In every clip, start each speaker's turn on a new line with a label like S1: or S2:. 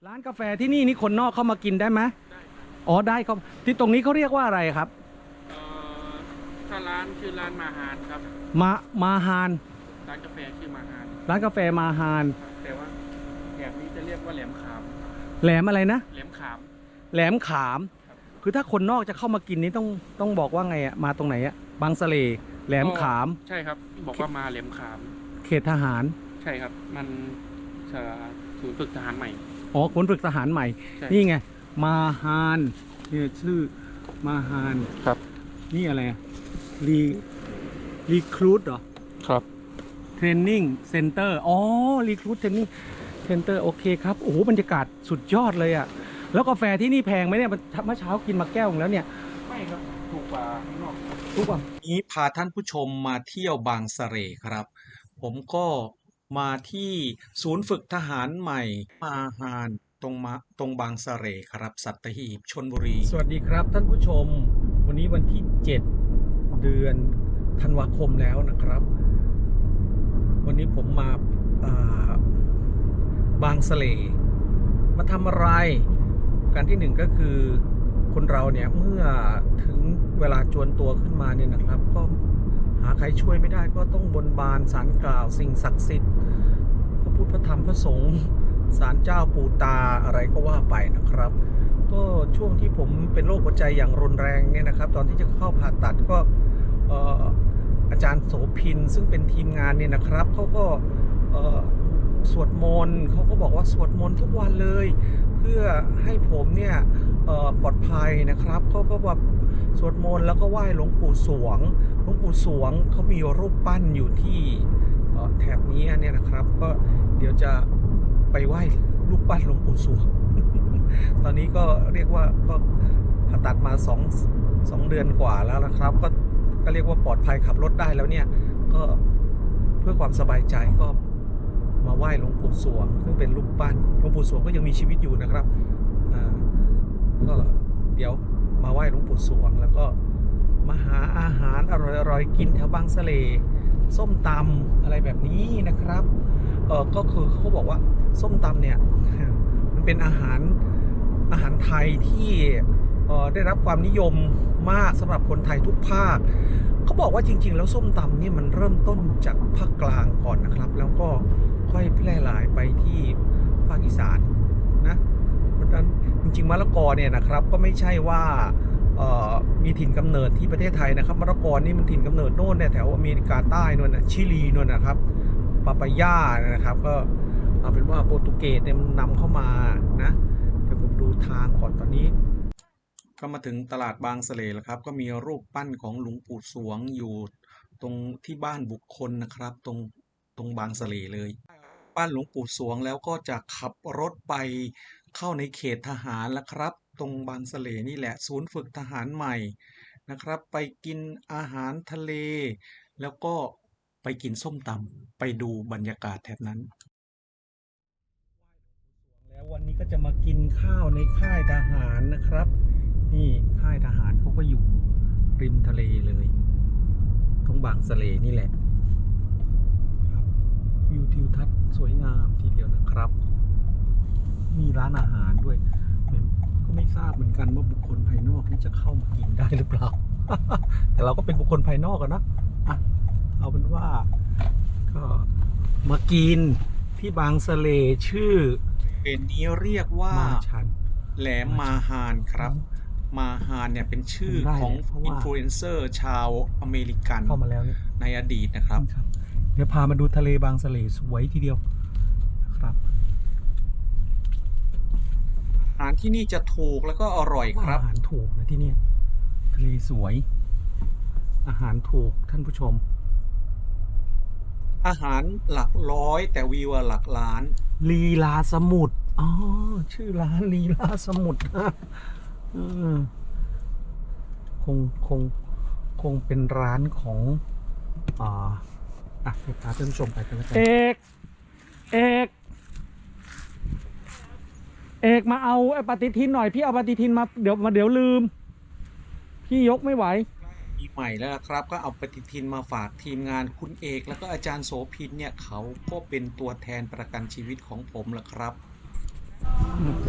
S1: ร้านกาแฟที่นี่คนนอกเข้ามากินได้ไหม
S2: ได้ครับ
S1: อ๋อได้ครับที่ตรงนี้เขาเรียกว่าอะไรครับ
S2: เอ่อถ้าร้านชื่อร้านมาฮานครับ
S1: มามาฮาน
S2: ร้านกาแฟชื่อมาฮาน
S1: ร้านกาแฟมาฮาน
S2: ครับแต่ว่าแถบนี้จะเรียกว่าแหลมขาม
S1: แหลมอะไรนะ
S2: แหลมขาม
S1: แหลมขาม
S2: ครับ
S1: คือถ้าคนนอกจะเข้ามากินนี้ต้องบอกว่าไงอะมาตรงไหนอะบางสะเลแหลมขาม
S2: ใช่ครับบอกว่ามาแหลมขาม
S1: เขตทหาร
S2: ใช่ครับมันศูนย์ฝึกทหารใหม่
S1: อ๋อคนฝึกทหารใหม่นี่ไงมาฮานเนี่ยชื่อมาฮาน
S2: ครับ
S1: นี่อะไรรีรีครูดเหรอ
S2: ครับ
S1: เทรนนิ่งเซ็นเตอร์อ๋อรีครูดเทรนนิ่งเซ็นเตอร์โอเคครับโอ้โหบรรยากาศสุดยอดเลยอะแล้วกาแฟที่นี่แพงไหมเนี่ยเมื่อเช้ากินมาแก้วนึงแล้วเนี่ย
S2: ไม่ครับถูกกว่าข้างนอก
S1: ทุกวันนี้พาท่านผู้ชมมาเที่ยวบางสะเสร่ครับผมก็มาที่ศูนย์ฝึกทหารใหม่มาฮานตรงบางสะเสร่ครับสัตหีบชลบุรีสวัสดีครับท่านผู้ชมวันนี้วันที่7เดือนธันวาคมแล้วนะครับวันนี้ผมมาบางสะเสร่มาทำอะไรการที่หนึ่งก็คือคนเราเนี่ยเมื่อถึงเวลาจวนตัวขึ้นมาเนี่ยนะครับก็หาใครช่วยไม่ได้ก็ต้องบนบานศาลกล่าวสิ่งศักดิ์สิทธิ์พระพุทธพระธรรมพระสงฆ์ศาลเจ้าปู่ตาอะไรก็ว่าไปนะครับก็ช่วงที่ผมเป็นโรคหัวใจอย่างรุนแรงเนี่ยนะครับตอนที่จะเข้าผ่าตัดก็อาจารย์โสพินซึ่งเป็นทีมงานเนี่ยนะครับเขาก็สวดมนต์เขาก็บอกว่าสวดมนต์ทุกวันเลยเพื่อให้ผมเนี่ยปลอดภัยนะครับเขาก็แบบสวดมนต์แล้วก็ไหว้หลวงปู่สวงหลวงปู่สวงเขามีรูปปั้นอยู่ที่แถบนี้เนี่ยนะครับก็เดี๋ยวจะไปไหว้รูปปั้นหลวงปู่สวง ตอนนี้ก็เรียกว่าก็ผ่าตัดมา2 เดือนกว่าแล้วนะครับก็เรียกว่าปลอดภัยขับรถได้แล้วเนี่ยก็เพื่อความสบายใจก็มาไหว้หลวงปู่สวงซึ่งเป็นรูปปั้นหลวงปู่สวงก็ยังมีชีวิตอยู่นะครับก็เดี๋ยวมาไหว้หลวงปู่สวงแล้วก็มาหาอาหารอร่อยๆกินแถวบางสะเลส้มตำอะไรแบบนี้นะครับก็คือเขาบอกว่าส้มตำเนี่ยมันเป็นอาหารไทยที่ได้รับความนิยมมากสำหรับคนไทยทุกภาคเขาบอกว่าจริงๆแล้วส้มตำนี่มันเริ่มต้นจากภาคกลางก่อนนะครับแล้วก็ค่อยแพร่หลายไปที่ภาคอีสานนะเพราะฉะนั้นจริงๆมะละกอเนี่ยนะครับก็ไม่ใช่ว่ามีถิ่นกำเนิดที่ประเทศไทยนะครับมะละกอนี่มันถิ่นกำเนิดโน่นเนี่ยแถวอเมริกาใต้นู่นนะชิลีนู่นนะครับปาปายานะครับก็เอาเป็นว่าโปรตุเกสเนี่ยมันนำเข้ามานะเดี๋ยวผมดูทางก่อนตอนนี้ก็มาถึงตลาดบางสะเลแล้วครับก็มีรูปปั้นของหลวงปู่สวงอยู่ตรงที่บ้านบุคคลนะครับตรงบางสะเลเลยปั้นหลวงปู่สวงแล้วก็จะขับรถไปเข้าในเขตทหารแล้วครับตรงบางสะเลนี่แหละศูนย์ฝึกทหารใหม่นะครับไปกินอาหารทะเลแล้วก็ไปกินส้มตำไปดูบรรยากาศแถบนั้นแล้ววันนี้ก็จะมากินข้าวในค่ายทหารนะครับนี่ค่ายทหารเขาก็อยู่ริมทะเลเลยตรงบางสะเลนี่แหละครับวิวทิวทัศน์สวยงามทีเดียวนะครับมีร้านอาหารด้วยก็ไม่ทราบเหมือนกันว่าบุคคลภายนอกนี่จะเข้ามากินได้หรือเปล่า แต่เราก็เป็นบุคคลภายนอกกันนะเอาเป็นว่าก็มากินที่บางสะเลชื่อเป็นนี้เรียกว่าแหลมมาฮานครับมาฮานเนี่ยเป็นชื่อของอินฟลูเอนเซอร์ชาวอเมริกันเข้ามาแล้วในอดีตนะครับเดี๋ยวพามาดูทะเลบางสะเลสวยทีเดียวนะครับอาหารที่นี่จะถูกแล้วก็อร่อยครับอาหารถูกนะที่นี่ทะเลสวยอาหารถูกท่านผู้ชมอาหารหลักร้อยแต่วิวหลักล้านลีลาสมุทรอ๋อชื่อร้านลีลาสมุทรคงเป็นร้านของให้พาท่านผู้ชมไปกันแล้วกันเอกมาเอาไอ้ปฏิทินหน่อยพี่เอาปฏิทินมาเดี๋ยวลืมพี่ยกไม่ไหวปีใหม่แล้วครับก็เอาปฏิทินมาฝากทีมงานคุณเอกแล้วก็อาจารย์โสภินเนี่ยเขาก็เป็นตัวแทนประกันชีวิตของผมแหละครับ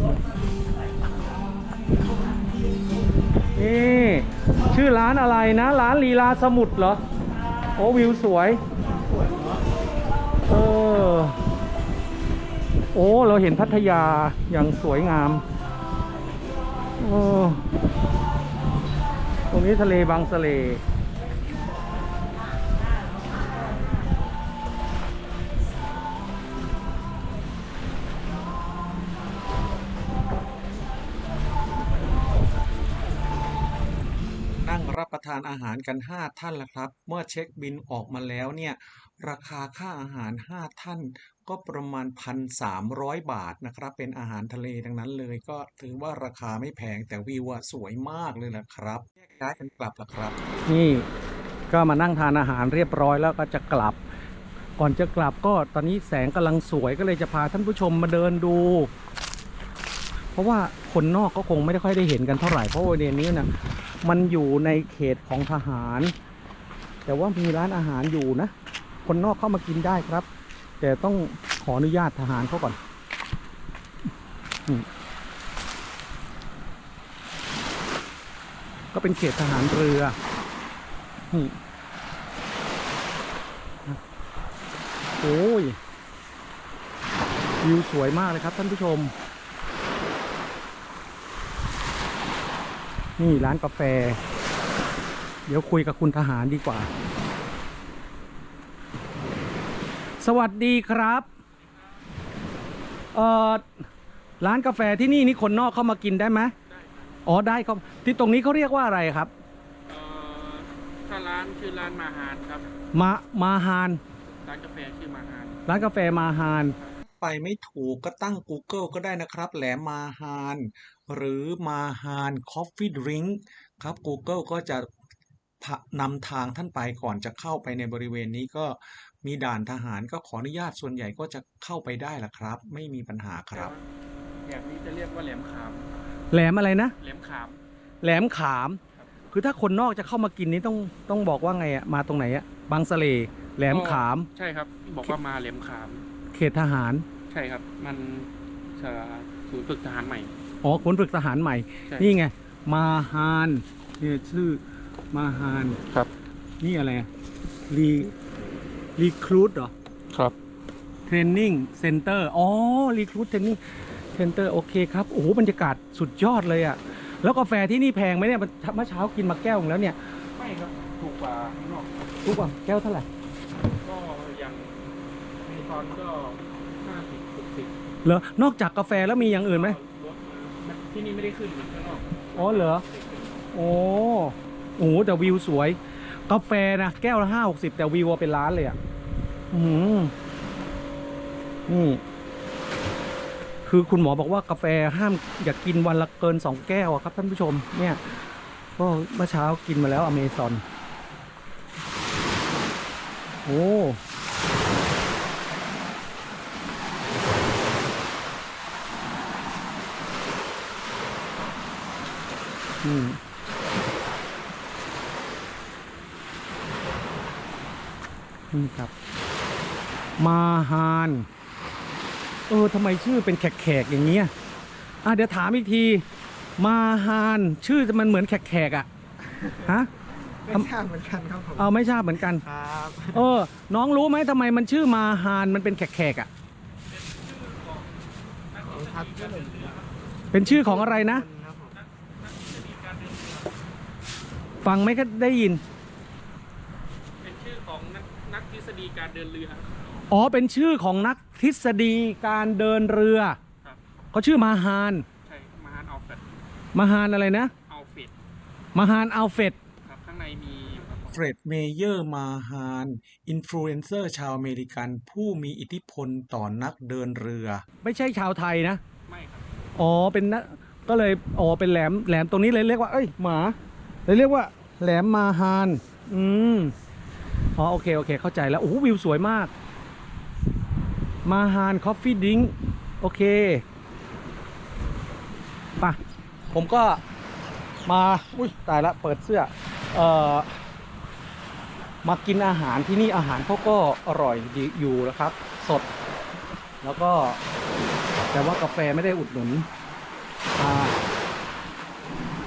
S1: นี่ชื่อร้านอะไรนะ ร้านลีลาสมุทรเหรอ โอ้วิวสวยเออโอ้เราเห็นพัทยาอย่างสวยงามโอ้ตรงนี้ทะเลบางสะเลนั่งรับประทานอาหารกัน5ท่านแล้วครับเมื่อเช็คบิลออกมาแล้วเนี่ยราคาค่าอาหาร5ท่านก็ประมาณ 1,300 บาทนะครับเป็นอาหารทะเลทั้งนั้นเลยก็ถือว่าราคาไม่แพงแต่วิวสวยมากเลยแหละครับแยกย้ายกันกลับแล้วครับนี่ก็มานั่งทานอาหารเรียบร้อยแล้วก็จะกลับก่อนจะกลับก็ตอนนี้แสงกำลังสวยก็เลยจะพาท่านผู้ชมมาเดินดูเพราะว่าคนนอกก็คงไม่ได้ค่อยได้เห็นกันเท่าไหร่เพราะว่าเดือนนี้นะมันอยู่ในเขตของทหารแต่ว่ามีร้านอาหารอยู่นะคนนอกเข้ามากินได้ครับแต่ต้องขออนุญาตทหารเขาก่อนก็เป็นเขตทหารเรือนี่โอ้ยวิวสวยมากเลยครับท่านผู้ชมนี่ร้านกาแฟเดี๋ยวคุยกับคุณทหารดีกว่าสวัสดีครับร้านกาแฟที่นี่คนนอกเข้ามากินได้ไหมอ๋อได้ครับที่ตรงนี้เขาเรียกว่าอะไรครับ
S2: ถ้าร้านชื่อร้านมาหารครับ
S1: มาฮาน
S2: ร้านกาแฟชื่อมาหาร
S1: ร้านกาแฟมาฮานไปไม่ถูกก็ตั้ง Google ก็ได้นะครับแหลมมาฮานหรือมาฮานคอฟฟี่ดริงก์ครับ Google ก็จะนำทางท่านไปก่อนจะเข้าไปในบริเวณนี้ก็มีด่านทหารก็ขออนุญาตส่วนใหญ่ก็จะเข้าไปได้ล่ะครับไม่มีปัญหาครับ
S2: แบบนี้จะเรียกว่าแหลมขาม
S1: แหลมอะไรนะ
S2: แหลมขาม
S1: แหลมขามคือถ้าคนนอกจะเข้ามากินนี้ต้องบอกว่าไงอะมาตรงไหนอะบางสะเลแหลมขาม
S2: ใช่ครับบอกว่ามาแหลมขาม
S1: เขตทหาร
S2: ใช่ครับมันศูนย์ฝึกทหารใหม่
S1: อ๋อศูนย์ฝึกทหารใหม่นี่ไงมาฮานนี่ชื่อมาฮาน
S2: ครับ
S1: นี่อะไรรีครูทเหรอ
S2: ครับ
S1: เทรนนิ่งเซ็นเตอร์อ๋อรีครูทเทรนนิ่งเซ็นเตอร์โอเคครับโอ้โหบรรยากาศสุดยอดเลยอะแล้วกาแฟที่นี่แพงไหมเนี่ยเมื่อเช้ากินมาแก้วนึงแล้วเนี่ย
S2: ไม่ครับถูกกว่าข้างนอก
S1: ถูกกว่าแก้วเท่าไหร่
S2: ก็อย่างมีตอนก็50-60
S1: เหรอนอกจากกาแฟแล้วมีอย่างอื่นไหม
S2: ที่นี่ไม่ได้ขึ้นเหมือนข้างนอก
S1: อ๋อเหรอโอ้โหแต่วิวสวยกาแฟนะแก้วละ50แต่วิวเป็นล้านเลยอ่ะนี่คือคุณหมอบอกว่ากาแฟห้ามอย่ากกินวันละเกิน2แก้วครับท่านผู้ชมเนี่ยก็เมื่อเช้ากินมาแล้วอเมซอนโอ้นี่ครับมาฮานทำไมชื่อเป็นแขกอย่างเงี้ยเดี๋ยวถามอีกทีมาฮานชื่อมันเหมือนแขกอ่ะฮะ
S3: ไม่ทราบเหมือนกันครับผม
S1: ไม่ทราบเหมือนกัน
S3: ครับ
S1: น้องรู้ไหมทำไมมันชื่อมาฮานมันเป็นแขกอ่ะเป็นชื่อของอะไรนะฟังไม่ก็ได้ยิน
S2: เป็นชื่อของนักทฤษฎีการเดินเรือ
S1: อ๋อเป็นชื่อของนักทฤษฎีการเดินเรือเขาชื่อมาฮาน
S2: ใช่มาฮานอัลเฟด
S1: มาฮานอะไรนะ
S2: อัลเฟด
S1: มาฮานอัลเฟด
S2: ครับข้างในมี
S1: เฟร็ดเมเยอร์มาฮานอินฟลูเอนเซอร์ชาวอเมริกันผู้มีอิทธิพลต่อนักเดินเรือไม่ใช่ชาวไทยนะ
S2: ไม่ครับ
S1: เป็นนะก็เลยเป็นแหลมตรงนี้เลยเรียกว่าหมาเลยเรียกว่าแหลมมาฮานโอเคเข้าใจแล้วโอ้วิวสวยมากมาฮานคอฟฟี่ดิ้งโอเคป่ะผมก็มาตายละเปิดเสื้อมากินอาหารที่นี่อาหารเขาก็อร่อยดีอยู่นะครับสดแล้วก็แต่ว่ากาแฟไม่ได้อุดหนุน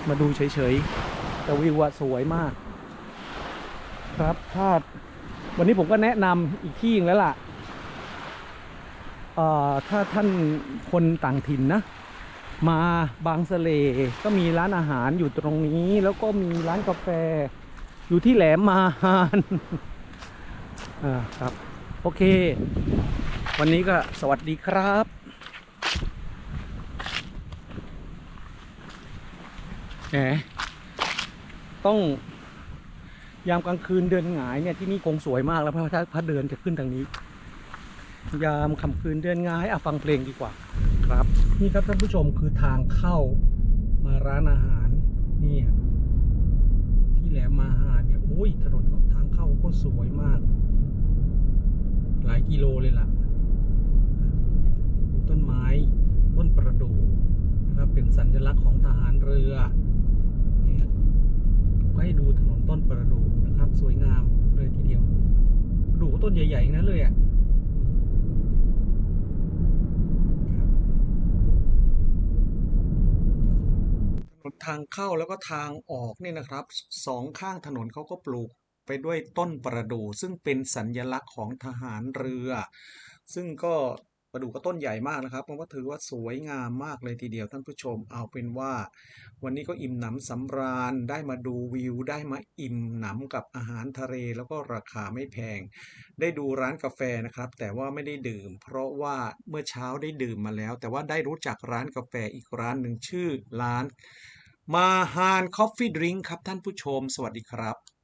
S1: มาดูเฉยๆแต่วิวอะสวยมากครับถ้าวันนี้ผมก็แนะนำอีกที่นึงแล้วล่ะถ้าท่านคนต่างถิ่นนะมาบางสะเลก็มีร้านอาหารอยู่ตรงนี้แล้วก็มีร้านกาแฟอยู่ที่แหลมมาฮานครับโอเควันนี้ก็สวัสดีครับแหมต้องยามกลางคืนเดินหงายเนี่ยที่นี่คงสวยมากแล้วเพราะถ้าเดินจะขึ้นทางนี้ยามค่ำคืนเดินหงายฟังเพลงดีกว่าครับนี่ครับท่านผู้ชมคือทางเข้ามาร้านอาหารนี่ที่แหลมมาฮานเนี่ยโอ้ยถนนทางเข้าก็สวยมากหลายกิโลเลยล่ะมีต้นไม้ต้นประดู่นะครับเป็นสัญลักษณ์ของทหารเรือเนี่ยผมก็ให้ดูถนนต้นประดู่นะครับสวยงามเลยทีเดียวประดู่ก็ต้นใหญ่ๆนั้นเลยอ่ะทางเข้าแล้วก็ทางออกเนี่ยนะครับสองข้างถนนเขาก็ปลูกไปด้วยต้นประดู่ซึ่งเป็นสัญลักษณ์ของทหารเรือซึ่งก็ประดู่ก็ต้นใหญ่มากนะครับผมก็ถือว่าสวยงามมากเลยทีเดียวท่านผู้ชมเอาเป็นว่าวันนี้ก็อิ่มหนำสำราญได้มาดูวิวได้มาอิ่มหนำกับอาหารทะเลแล้วก็ราคาไม่แพงได้ดูร้านกาแฟนะครับแต่ว่าไม่ได้ดื่มเพราะว่าเมื่อเช้าได้ดื่มมาแล้วแต่ว่าได้รู้จักร้านกาแฟอีกร้านหนึ่งชื่อร้านมาฮานคอฟฟี่ดริงก์ครับท่านผู้ชมสวัสดีครับ